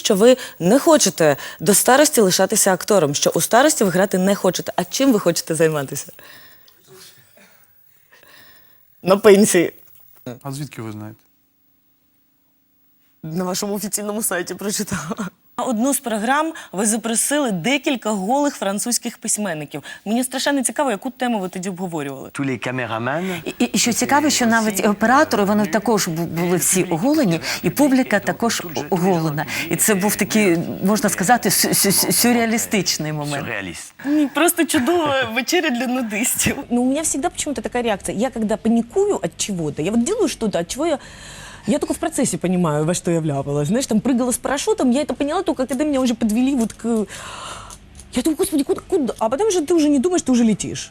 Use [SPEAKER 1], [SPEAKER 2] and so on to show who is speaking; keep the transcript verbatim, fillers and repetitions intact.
[SPEAKER 1] що ви не хочете до старості лишатися актором, що у старості ви грати не хочете. А чим ви хочете займатися? На пенсії.
[SPEAKER 2] А звідки ви знаєте?
[SPEAKER 1] На вашому офіційному сайті прочитала. На одну з програм ви запросили декілька голих французьких письменників. Мені страшенно цікаво, яку тему ви тоді обговорювали.
[SPEAKER 3] Tous les caméramans.
[SPEAKER 4] І, і що цікаво, що навіть оператори, вони також бу- були всі оголені, і публіка також оголена. І це був такий, можна сказати, сю- сю- сю- сюрреалістичний момент.
[SPEAKER 3] Surréaliste.
[SPEAKER 1] Ні, просто чудова вечеря для нудистів.
[SPEAKER 5] Но у меня всегда почему-то такая реакция. Я когда паникую от чего-то, я вот делаю что-то, от чего я... Я только в процессе понимаю, во что я вляпалась. Знаешь, там прыгала с парашютом, я это поняла только, когда меня уже подвели вот к... Я думаю, господи, куда, куда? А потом же ты уже не думаешь, ты уже летишь.